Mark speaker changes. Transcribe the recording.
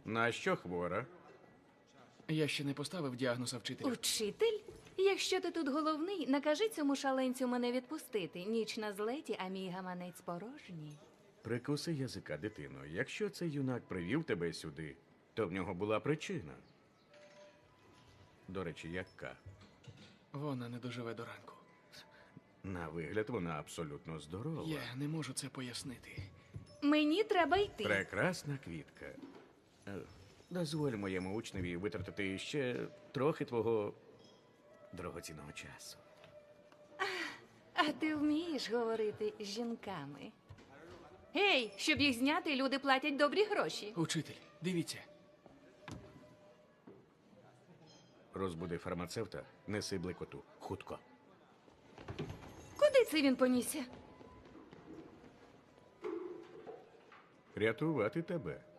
Speaker 1: На що хвора?
Speaker 2: Я ще не поставив діагноза вчителю.
Speaker 3: Учитель? Якщо ти тут головний, накажи цьому шаленцю мене відпустити. Ніч на злеті, а мій гаманець порожній.
Speaker 1: Прикуси язика, дитино. Якщо цей юнак привів тебе сюди, то в нього була причина. До речі, яка?
Speaker 2: Вона не доживе до ранку.
Speaker 1: На вигляд вона абсолютно здорова.
Speaker 2: Я не можу це пояснити.
Speaker 3: Мені треба йти.
Speaker 1: Прекрасна квітка. Дозволь моєму учневі витратити ще трохи твого дорогоцінного часу.
Speaker 3: А ти вмієш говорити з жінками? Гей, щоб їх зняти, люди платять добрі гроші.
Speaker 2: Учитель, дивіться.
Speaker 1: Розбуди фармацевта, неси блекоту. Хутко.
Speaker 3: Куди це він понісся?
Speaker 1: Рятувати тебе.